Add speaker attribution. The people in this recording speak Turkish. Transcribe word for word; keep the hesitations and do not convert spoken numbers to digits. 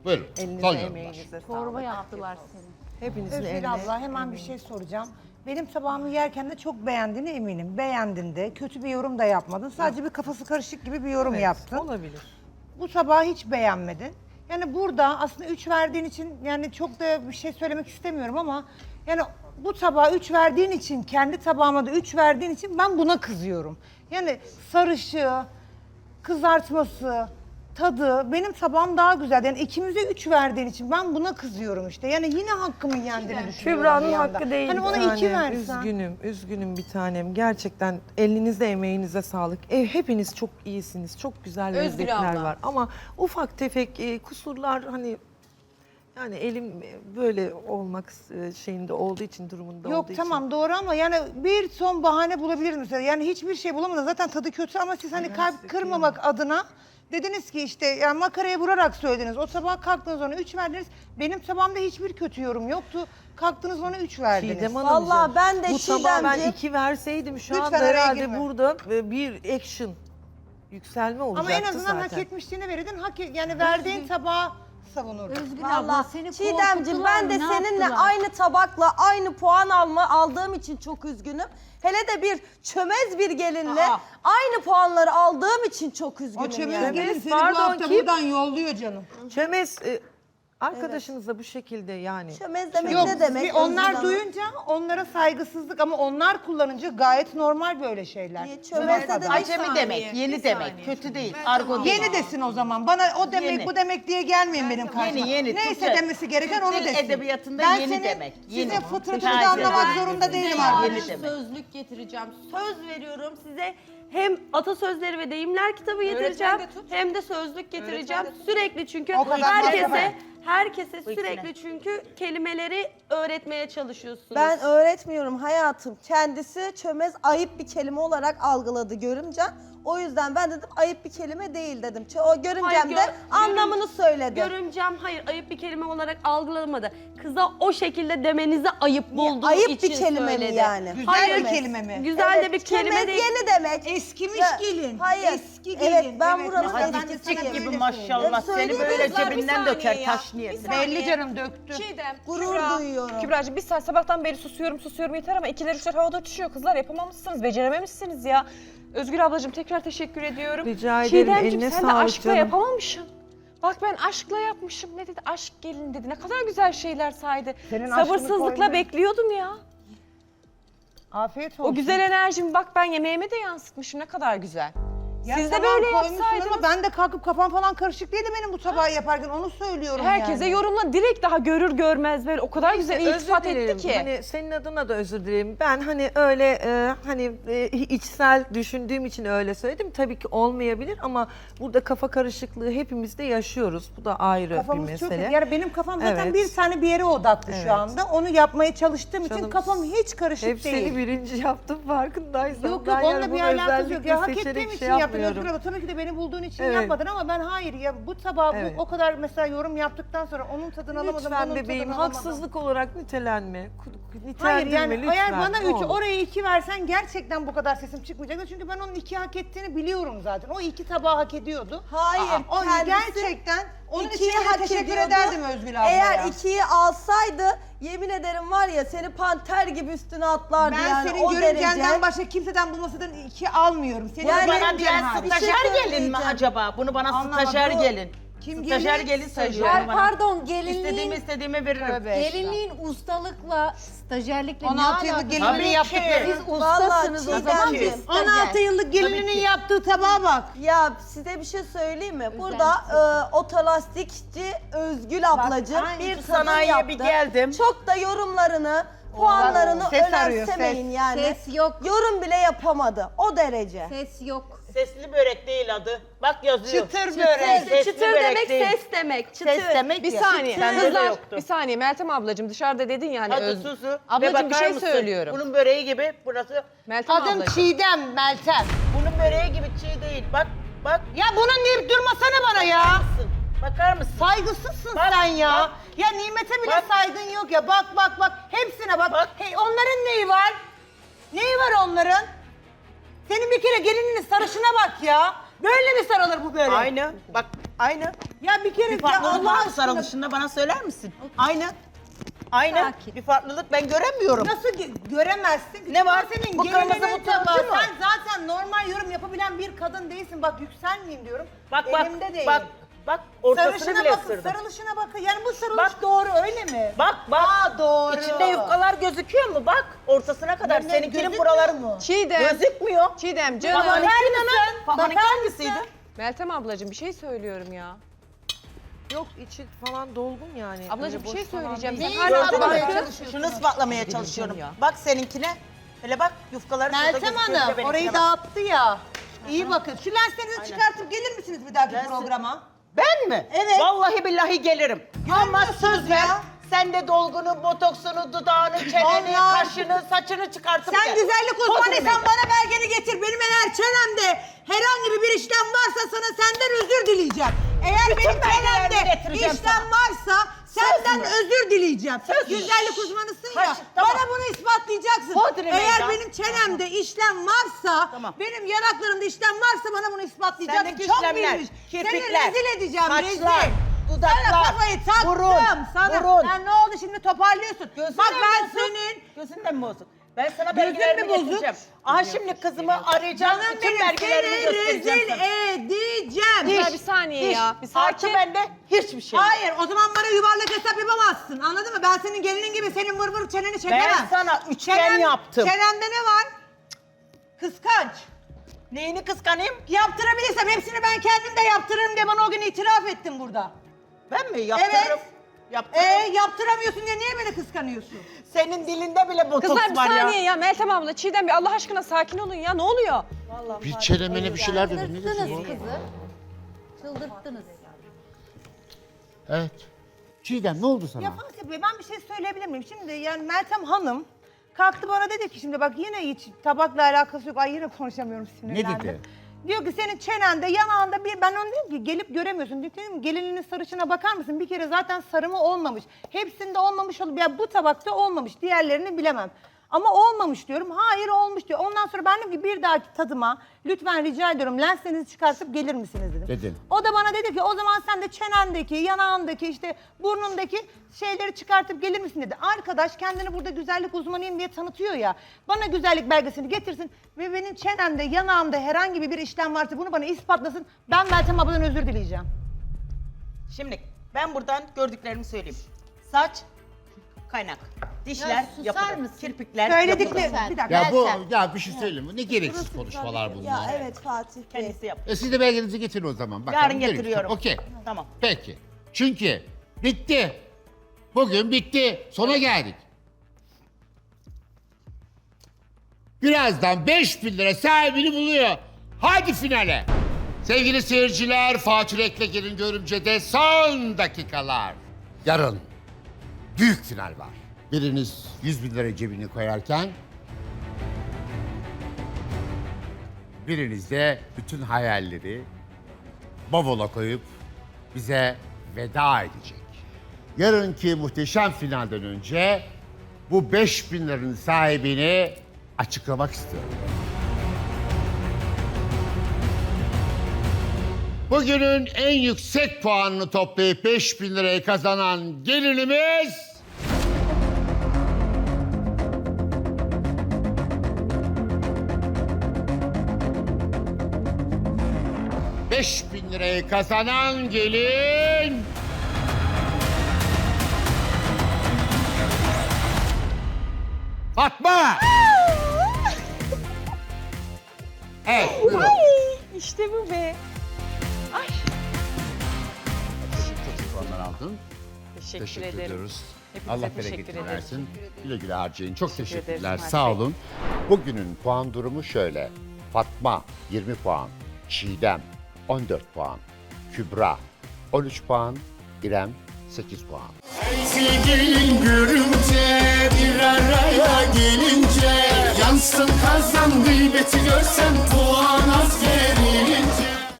Speaker 1: Buyurun.
Speaker 2: Elinize,
Speaker 1: Son yorumlar.
Speaker 2: emeğinize
Speaker 3: Çorba
Speaker 2: sağlık.
Speaker 3: yaptılar seni.
Speaker 2: Hepinizin
Speaker 4: Özgür
Speaker 2: eline.
Speaker 4: abla hemen bir şey soracağım. Benim tabağımı yerken de çok beğendiğine eminim. Beğendin de, kötü bir yorum da yapmadın. Sadece bir kafası karışık gibi bir yorum
Speaker 2: Evet,
Speaker 4: yaptın.
Speaker 2: olabilir.
Speaker 4: Bu tabağı hiç beğenmedin. Yani burada aslında üç verdiğin için yani çok da bir şey söylemek istemiyorum ama yani bu tabağa üç verdiğin için, kendi tabağıma da üç verdiğin için ben buna kızıyorum. Yani sarışığı, kızartması, tadı, benim tabağım daha güzel. Yani ikimize üç verdiğin için ben buna kızıyorum işte. Yani yine hakkımın yendiğini düşünüyorum
Speaker 5: Kübra'nın
Speaker 4: bir yanda.
Speaker 5: hakkı değil.
Speaker 4: Hani ona
Speaker 2: Bir
Speaker 4: iki
Speaker 2: tanem,
Speaker 4: versen.
Speaker 2: Üzgünüm, üzgünüm bir tanem. Gerçekten elinize, emeğinize sağlık. E, hepiniz çok iyisiniz. Çok güzel
Speaker 3: Özgür
Speaker 2: lezzetler
Speaker 3: abla.
Speaker 2: var. Ama ufak tefek e, kusurlar hani yani elim böyle olmak e, şeyinde olduğu için, durumunda
Speaker 4: Yok
Speaker 2: olduğu
Speaker 4: tamam
Speaker 2: için.
Speaker 4: doğru ama yani bir son bahane bulabiliriz mesela. Yani hiçbir şey bulamadın. Zaten tadı kötü ama siz hani kalp kırmamak adına dediniz ki işte yani makaraya vurarak söylediniz. O sabah kalktınız ona üç verdiniz. Benim tabağımda hiçbir kötü yorum yoktu. Kalktınız ona üç verdiniz.
Speaker 2: Çiğdem Hanımcığım,
Speaker 5: Vallahi ben de
Speaker 2: bu tabağa ben
Speaker 5: Çiğdemciğim-
Speaker 2: iki verseydim şu
Speaker 4: Lütfen
Speaker 2: anda
Speaker 4: araya
Speaker 2: herhalde
Speaker 4: girme.
Speaker 2: burada e, bir action yükselme
Speaker 4: Ama
Speaker 2: olacaktı
Speaker 4: en azından
Speaker 2: zaten.
Speaker 4: hak etmişliğini verirdin. Hak et- yani verdiğin tabağı savunurdun.
Speaker 3: Özgür abla
Speaker 5: Vallahi
Speaker 3: seni
Speaker 5: Çiğdemciğim
Speaker 3: korkuttular
Speaker 5: ben de
Speaker 3: mı, ne
Speaker 5: seninle
Speaker 3: yaptılar?
Speaker 5: aynı tabakla aynı puan alma aldığım için çok üzgünüm. Hele de bir çömez bir gelinle
Speaker 3: Aa.
Speaker 5: aynı puanları aldığım için çok üzgünüm
Speaker 4: O çömez
Speaker 5: yani.
Speaker 4: gelin seni
Speaker 2: Pardon,
Speaker 4: bu hafta
Speaker 2: kim?
Speaker 4: buradan yolluyor canım.
Speaker 2: Çömez e, arkadaşınızla bu şekilde yani.
Speaker 5: Çömez demek
Speaker 4: Yok
Speaker 5: ne demek?
Speaker 4: bir onlar
Speaker 5: Özgür Hanım?
Speaker 4: duyunca onlara saygısızlık ama onlar kullanınca gayet normal böyle şeyler.
Speaker 5: Niye çömez ne demek?
Speaker 6: Acemi demek, yeni demek. Kötü değil. Argo değil.
Speaker 4: Yeni desin o zaman. Bana o demek
Speaker 6: Yeni.
Speaker 4: bu demek diye gelmeyin benim karşıma.
Speaker 6: Yeni, yeni.
Speaker 4: Neyse
Speaker 6: Türkçe-
Speaker 4: demesi gereken
Speaker 6: Türk
Speaker 4: onu
Speaker 6: dil
Speaker 4: desin.
Speaker 6: edebiyatında
Speaker 4: ben
Speaker 6: yeni
Speaker 4: senin,
Speaker 6: demek, yeni.
Speaker 4: Sizin fıtratınızı
Speaker 6: Taze.
Speaker 4: anlamak zorunda değilim
Speaker 6: Yeni
Speaker 4: arkadaşım.
Speaker 6: demek.
Speaker 3: Sözlük getireceğim.
Speaker 5: Söz veriyorum size hem atasözleri ve deyimler kitabı getireceğim hem de sözlük getireceğim. Sürekli çünkü
Speaker 4: O kadar
Speaker 5: herkese
Speaker 4: malzeme.
Speaker 5: herkese
Speaker 6: ikisine.
Speaker 5: sürekli çünkü kelimeleri öğretmeye çalışıyorsunuz.
Speaker 7: Ben öğretmiyorum hayatım. Kendisi çömez ayıp bir kelime olarak algıladı görümce. O yüzden ben dedim ayıp bir kelime değil dedim. Ç- O görümcem
Speaker 5: Hayır,
Speaker 7: de
Speaker 5: gör-
Speaker 7: anlamını söyledi.
Speaker 5: Görümcem hayır ayıp bir kelime olarak algılamadı. Kıza o şekilde demenizi ayıp bulduğu
Speaker 7: ayıp
Speaker 5: için
Speaker 7: bir kelime mi
Speaker 5: söyledi.
Speaker 7: yani?
Speaker 4: Güzel
Speaker 5: Hayır,
Speaker 4: bir kelime mi?
Speaker 5: Güzel
Speaker 7: Evet,
Speaker 5: de bir kelime
Speaker 7: çömez
Speaker 5: değil.
Speaker 7: yeni demek.
Speaker 4: Eskimiş
Speaker 7: Ya,
Speaker 4: gelin.
Speaker 7: hayır.
Speaker 4: Eski gelin.
Speaker 7: Evet, ben buranın
Speaker 4: mesela ben de
Speaker 7: eskisi
Speaker 4: sana
Speaker 6: Çiçek
Speaker 4: böyle
Speaker 6: gibi maşallah.
Speaker 7: Ya
Speaker 6: Seni
Speaker 7: söyleyeyim
Speaker 6: böyle
Speaker 7: kızlar, bir
Speaker 6: cebinden döker taş niyetine.
Speaker 4: Belli canım döktü.
Speaker 8: Çiğdem,
Speaker 7: Gurur
Speaker 8: Kübra,
Speaker 7: duyuyorum.
Speaker 8: Kübra'cığım bir saat sabahtan beri susuyorum susuyorum yeter ama ikiler üçler havada uçuşuyor kızlar yapamamışsınız, becerememişsiniz ya. Özgür ablacığım tekrar teşekkür ediyorum.
Speaker 2: Rica ederim,
Speaker 8: Çiğdemciğim
Speaker 2: eline
Speaker 8: sen de
Speaker 2: sağlık
Speaker 8: aşkla
Speaker 2: canım.
Speaker 8: yapamamışsın. Bak ben aşkla yapmışım. Ne dedi? Aşk gelin dedi. Ne kadar güzel şeyler saydı.
Speaker 4: Senin aşkını
Speaker 8: Sabırsızlıkla
Speaker 4: koyma.
Speaker 8: bekliyordum ya.
Speaker 4: Afiyet olsun.
Speaker 8: O güzel enerjimi bak ben yemeğime de yansıtmışım. Ne kadar güzel.
Speaker 4: Ya
Speaker 8: Siz de
Speaker 4: tamam,
Speaker 8: böyle
Speaker 4: koymuşsun
Speaker 8: yapsaydınız.
Speaker 4: ama ben de kalkıp kafam falan karışık değildi benim bu tabağı yaparken onu söylüyorum
Speaker 8: Herkese
Speaker 4: yani.
Speaker 8: yorumla. Direkt daha görür görmez böyle o kadar güzel iltifat etti ki.
Speaker 2: Hani senin adına da özür dilerim. Ben hani öyle e, hani e, içsel düşündüğüm için öyle söyledim. Tabii ki olmayabilir ama burada kafa karışıklığı hepimiz de yaşıyoruz. Bu da ayrı
Speaker 4: Kafamız
Speaker 2: bir
Speaker 4: çok
Speaker 2: mesele.
Speaker 4: yani benim kafam zaten
Speaker 2: Evet.
Speaker 4: bir tane bir yere odaklı
Speaker 2: Evet.
Speaker 4: şu anda. Onu yapmaya çalıştığım için
Speaker 2: Canım,
Speaker 4: kafam hiç karışık
Speaker 2: Hep
Speaker 4: değil.
Speaker 2: seni birinci yaptım farkındaysan.
Speaker 4: Yok
Speaker 2: Ben
Speaker 4: yok
Speaker 2: yani
Speaker 4: onunla bir
Speaker 2: bunu
Speaker 4: alakası yok. Ya hak
Speaker 2: özellikle
Speaker 4: ettiğim
Speaker 2: seçerek
Speaker 4: için
Speaker 2: şey
Speaker 4: yaptın
Speaker 2: yapmıyorum.
Speaker 4: Özgür abla. Tabii ki de beni bulduğun için
Speaker 2: Evet.
Speaker 4: yapmadın ama ben hayır ya bu tabağı bu-
Speaker 2: Evet.
Speaker 4: o kadar mesela yorum yaptıktan sonra onun tadını alamadım.
Speaker 2: Lütfen
Speaker 4: bunun
Speaker 2: bebeğim
Speaker 4: tadını alamadım.
Speaker 2: haksızlık olarak nitelenme. Ku-
Speaker 4: Hayır
Speaker 2: Nitelendirme
Speaker 4: yani
Speaker 2: lütfen.
Speaker 4: eğer bana
Speaker 2: ne
Speaker 4: üç
Speaker 2: olur.
Speaker 4: oraya iki versen gerçekten bu kadar sesim çıkmayacaktı. Çünkü ben onun iki hak ettiğini biliyorum zaten. O iki tabağı hak ediyordu.
Speaker 7: Hayır.
Speaker 4: O
Speaker 7: kendisi
Speaker 4: gerçekten onun için
Speaker 7: ikiyi
Speaker 4: yine
Speaker 7: hak
Speaker 4: teşekkür
Speaker 7: ediyordu.
Speaker 4: ederdim Özgül abla
Speaker 7: Eğer
Speaker 4: ya.
Speaker 7: ikiyi alsaydı yemin ederim var ya seni panter gibi üstüne atlardı
Speaker 4: Ben
Speaker 7: yani
Speaker 4: senin
Speaker 7: o
Speaker 4: görümcenden
Speaker 7: derece.
Speaker 4: başka kimseden bulmasadan iki almiyorum. Senin
Speaker 7: Yani
Speaker 6: Bana
Speaker 4: görümcen
Speaker 6: diyen
Speaker 4: hariç.
Speaker 6: stajyer
Speaker 7: Bir şey
Speaker 6: gelin mi
Speaker 7: söyleyeceğim.
Speaker 6: acaba? Bunu bana
Speaker 4: Anlamadım.
Speaker 6: stajyer
Speaker 4: Bu-
Speaker 6: gelin.
Speaker 4: Kim
Speaker 6: Stajyer
Speaker 4: gelin?
Speaker 6: gelin söylüyor
Speaker 3: Ay,
Speaker 6: bana.
Speaker 3: pardon
Speaker 6: İstediğimi
Speaker 3: gelinliğin,
Speaker 6: istediğime veririm.
Speaker 4: Tövbe.
Speaker 3: gelinliğin ustalıkla, stajyerlikle
Speaker 4: on
Speaker 3: ne
Speaker 4: altı yıllık
Speaker 3: alakası?
Speaker 4: gelinliğinin
Speaker 6: Tabii ki.
Speaker 4: yaptıkları.
Speaker 3: Siz
Speaker 7: Vallahi
Speaker 3: ustasınız o zaman
Speaker 7: Çiğdemciğim.
Speaker 3: biz
Speaker 4: on
Speaker 3: stajyer.
Speaker 4: altı yıllık gelininin yaptığı tabağa bak.
Speaker 7: Ya size bir şey söyleyeyim mi? Burada e, otolastikçi Özgül ablacığım
Speaker 4: aynı
Speaker 7: bir
Speaker 6: şu
Speaker 7: tadım
Speaker 6: sanayiye
Speaker 7: yaptı.
Speaker 6: bir geldim.
Speaker 7: Çok da yorumlarını, puanlarını
Speaker 4: ses arıyor,
Speaker 7: önemsemeyin
Speaker 4: ses.
Speaker 7: yani.
Speaker 3: Ses yok.
Speaker 7: Yorum bile yapamadı. O derece.
Speaker 3: Ses yok.
Speaker 6: Sesli börek değil adı. Bak yazıyor.
Speaker 4: Çıtır börek.
Speaker 6: Sesli
Speaker 5: Çıtır
Speaker 6: börek
Speaker 5: demek
Speaker 6: değil.
Speaker 5: ses demek. Çıtır.
Speaker 6: Ses demek
Speaker 8: Bir
Speaker 6: ya.
Speaker 8: saniye.
Speaker 6: Sende de
Speaker 8: Kızlar
Speaker 6: yoktu.
Speaker 8: bir saniye Meltem ablacığım dışarıda dedin yani.
Speaker 6: Hadi
Speaker 8: Öz...
Speaker 6: susu.
Speaker 8: Ablacığım
Speaker 6: Ve
Speaker 8: bir
Speaker 6: bakar
Speaker 8: şey
Speaker 6: mısın?
Speaker 8: söylüyorum.
Speaker 6: Bunun böreği gibi burası.
Speaker 8: Meltem
Speaker 4: Adım
Speaker 8: ablacığım.
Speaker 4: Çiğdem Meltem.
Speaker 6: Bunun böreği gibi çiğ değil. Bak bak.
Speaker 4: Ya bunun deyip durmasana bana ya.
Speaker 6: Bakar mısın?
Speaker 4: Saygısızsın
Speaker 6: Bak,
Speaker 4: sen ya.
Speaker 6: bak.
Speaker 4: Ya Nimet'e bile
Speaker 6: Bak.
Speaker 4: saygın yok ya. Bak bak bak. Hepsine bak.
Speaker 6: Bak.
Speaker 4: Hey, onların neyi var? Neyi var onların? Senin bir kere gelininin sarışına bak ya. Böyle mi sarılır bu börek?
Speaker 6: Aynı. Bak aynı.
Speaker 4: Ya bir kere
Speaker 6: Bir
Speaker 4: ya
Speaker 6: farklılık
Speaker 4: Allah
Speaker 6: var mı
Speaker 4: aşkına
Speaker 6: sarılışında bana söyler misin? Aynı. Aynı.
Speaker 3: Sakin.
Speaker 6: Bir farklılık ben göremiyorum.
Speaker 4: nasıl gö- göremezsin?
Speaker 6: Ne var?
Speaker 4: Senin
Speaker 6: Bu kırmızı,
Speaker 4: gelinin
Speaker 6: bu
Speaker 4: tabağı.
Speaker 6: turuncu mu?
Speaker 4: Sen zaten normal yorum yapabilen bir kadın değilsin. Bak yükselmeyeyim diyorum.
Speaker 6: Bak bak.
Speaker 4: Elimde değil.
Speaker 6: Bak. Bak ortasını
Speaker 4: Sarışına
Speaker 6: bile
Speaker 4: bakın,
Speaker 6: ısırdım.
Speaker 4: sarılışına bakın. Yani bu sarılış
Speaker 6: Bak.
Speaker 4: doğru öyle mi?
Speaker 6: Bak bak.
Speaker 4: Aa, doğru.
Speaker 6: İçinde yufkalar gözüküyor mu? Bak ortasına kadar.
Speaker 4: Ne-
Speaker 6: Seninkinin
Speaker 4: gözükmüyor
Speaker 6: buraları
Speaker 4: mu?
Speaker 8: Çiğdem.
Speaker 6: gözükmüyor.
Speaker 8: Çiğdem
Speaker 6: Babanınki
Speaker 8: canım.
Speaker 6: nasıl? Babanınki
Speaker 4: Bakar
Speaker 6: hangisiydi?
Speaker 4: mısın?
Speaker 8: Meltem ablacığım bir şey söylüyorum ya.
Speaker 2: Yok içi falan dolgun yani.
Speaker 8: Ablacığım
Speaker 2: Öyle
Speaker 8: bir şey
Speaker 2: boş falan
Speaker 8: söyleyeceğim.
Speaker 2: değil.
Speaker 8: Sen hala
Speaker 6: Gördün mü?
Speaker 8: bakıyorsun.
Speaker 6: Şunu ispatlamaya çalışıyorum. Bak seninkine. Hele bak yufkaları şurada
Speaker 4: Meltem
Speaker 6: gözüküyor.
Speaker 4: Hanım
Speaker 6: benimkine
Speaker 4: orayı
Speaker 6: bak.
Speaker 4: dağıttı ya. İyi bakın. Şu lenslerinizi
Speaker 6: Aynen.
Speaker 4: çıkartıp gelir misiniz bir dahaki
Speaker 6: Lensi-
Speaker 4: programa?
Speaker 6: Ben mi?
Speaker 4: Evet.
Speaker 6: Vallahi billahi gelirim. Ama söz ver.
Speaker 4: ya.
Speaker 6: Sen de dolgunu, botoksunu, dudağını, çeneni,
Speaker 4: Vallahi.
Speaker 6: kaşını, saçını çıkartıp
Speaker 4: Sen
Speaker 6: gel.
Speaker 4: güzellik uzmanıysan
Speaker 6: Oturmayın.
Speaker 4: bana belgeni getir. Benim eğer çenemde herhangi bir işlem varsa sana senden özür dileyeceğim. Eğer
Speaker 6: Bütün
Speaker 4: benim
Speaker 6: belgelerini
Speaker 4: çenemde
Speaker 6: getireceğim
Speaker 4: işlem
Speaker 6: sana.
Speaker 4: varsa senden
Speaker 6: mü?
Speaker 4: özür dileyeceğim.
Speaker 6: Söz mü?
Speaker 4: Güzellik uzmanısın ya.
Speaker 6: Kaş- tamam.
Speaker 4: Bana bunu ispatlayacaksın.
Speaker 6: Hodri
Speaker 4: Eğer
Speaker 6: meydan.
Speaker 4: benim çenemde işlem varsa,
Speaker 6: Tamam.
Speaker 4: benim yanaklarımda işlem varsa bana bunu ispatlayacaksın.
Speaker 6: Sendeki
Speaker 4: Çok
Speaker 6: işlemler,
Speaker 4: bilmiş. Seni
Speaker 6: kirpikler,
Speaker 4: rezil edeceğim,
Speaker 6: saçlar,
Speaker 4: rezil.
Speaker 6: dudaklar,
Speaker 4: Sana kafayı taktım.
Speaker 6: burun,
Speaker 4: sana.
Speaker 6: burun.
Speaker 4: Sen ne oldu şimdi toparlıyorsun.
Speaker 6: Gözün
Speaker 4: Bak
Speaker 6: de
Speaker 4: ben
Speaker 6: bozuk.
Speaker 4: senin
Speaker 6: Gözün de mi bozuk? Ben sana
Speaker 4: Gözün
Speaker 6: belgelerimi
Speaker 4: mü bozuk?
Speaker 6: getireceğim. Aha şimdi kızımı arayacağım.
Speaker 4: Canım
Speaker 6: Bütün
Speaker 4: benim
Speaker 6: belgelerimi
Speaker 4: seni
Speaker 6: göstereceğim
Speaker 4: rezil
Speaker 6: sana.
Speaker 4: edeceğim.
Speaker 8: Ya bir saniye
Speaker 6: Diş.
Speaker 8: ya. Bir
Speaker 6: Artı
Speaker 8: sakin.
Speaker 6: bende hiçbir şey. yok.
Speaker 4: Hayır o zaman bana yuvarlak hesap yapamazsın anladın mı? Ben senin gelinin gibi senin vır vır çeneni çekemem.
Speaker 6: Ben sana üçgen
Speaker 4: Çenen-
Speaker 6: yaptım.
Speaker 4: Çenemde ne var? Kıskanç.
Speaker 6: Neyini kıskanayım?
Speaker 4: Yaptırabilirsem hepsini ben kendim de yaptırırım diye bana o gün itiraf ettin burada.
Speaker 6: Ben mi yaptırırım?
Speaker 4: Evet.
Speaker 6: Yaptırırım.
Speaker 4: Ee yaptıramıyorsun diye niye beni kıskanıyorsun?
Speaker 6: Senin dilinde bile botoks
Speaker 8: Kızlar bir
Speaker 6: var ya.
Speaker 8: saniye ya. Meltem abla, Çiğdem bir Allah aşkına sakin olun ya. Ne oluyor?
Speaker 1: Bir çenemene bir şeyler dedi. Ne diyorsun?
Speaker 3: Çıldırttınız kızı. Çıldırttınız.
Speaker 1: Evet. Çiğdem ne oldu sana?
Speaker 4: Ya Fatih Bey ben bir şey söyleyebilir miyim? Şimdi yani Meltem Hanım kalktı bana dedi ki şimdi bak yine hiç tabakla alakası yok. Ay yine konuşamıyorum sinirlendim.
Speaker 1: Ne dedi?
Speaker 4: Diyor ki senin çenende yanağında bir ben onu dedim ki gelip göremiyorsun. Dedim gelininin sarışına bakar mısın? Bir kere zaten sarımı olmamış. Hepsinde olmamış olup ya bu tabakta olmamış. Diğerlerini bilemem. Ama olmamış diyorum. Hayır olmuş diyor. Ondan sonra ben dedim ki bir dahaki tadıma lütfen rica ediyorum lenslerinizi çıkartıp gelir misiniz dedim.
Speaker 1: Dedin.
Speaker 4: O da bana dedi ki o zaman sen de çenendeki, yanağındaki işte burnundaki şeyleri çıkartıp gelir misin dedi. Arkadaş kendini burada güzellik uzmanıyım diye tanıtıyor ya. Bana güzellik belgesini getirsin ve benim çenemde, yanağımda herhangi bir işlem varsa bunu bana ispatlasın. Ben Meltem abladan özür dileyeceğim.
Speaker 6: Şimdi ben buradan gördüklerimi söyleyeyim. Saç, kaynak. Dişler
Speaker 3: Ya susar
Speaker 6: yapılır.
Speaker 3: mısın?
Speaker 6: Kirpikler
Speaker 4: Söyledikleri...
Speaker 6: yapılır.
Speaker 3: Sen.
Speaker 4: Bir dakika.
Speaker 1: Ya bu
Speaker 3: Meltem.
Speaker 1: ya bir şey söyleyeyim mi? Ne gereksiz konuşmalar bunlar.
Speaker 7: Ya evet Fatih Bey.
Speaker 6: Kendisi yap.
Speaker 1: E siz de belgenizi getirin o zaman. Bakalım,
Speaker 6: Yarın
Speaker 1: göreyim.
Speaker 6: getiriyorum.
Speaker 1: Okey.
Speaker 6: Tamam.
Speaker 1: Peki. Çünkü bitti. Bugün bitti. Sona geldik. Birazdan beş bin lira sahibini buluyor. Hadi finale. Sevgili seyirciler, Fatih Rek'le gelin görümcede son dakikalar. Yarın büyük final var. Biriniz yüz bin lira cebine koyarken biriniz de bütün hayalleri bavula koyup bize veda edecek. Yarınki muhteşem finalden önce bu beş bin liranın sahibini açıklamak istiyorum. Bugünün en yüksek puanını toplayıp beş bin lirayı kazanan gelinimiz... Beş bin lirayı kazanan gelin... Fatma! Evet, buyurun.
Speaker 8: İşte bu be.
Speaker 1: Çok puanlar aldın.
Speaker 8: Teşekkür,
Speaker 1: Teşekkür
Speaker 8: ederim.
Speaker 1: ediyoruz.
Speaker 8: Hepinize
Speaker 1: Allah
Speaker 8: teşekkür
Speaker 1: bereketini
Speaker 8: ederim.
Speaker 1: versin. Güle güle harcayın. Çok
Speaker 8: Teşekkür
Speaker 1: teşekkürler.
Speaker 8: ederiz,
Speaker 1: Sağ
Speaker 8: Mert Bey.
Speaker 1: olun. Bugünün puan durumu şöyle. Fatma yirmi puan. Çiğdem on dört puan. Kübra on üç puan. İrem sekiz puan.
Speaker 9: Sevgilin görünce bir araya gelince yansın kazan gıybeti görsen puan az gelir.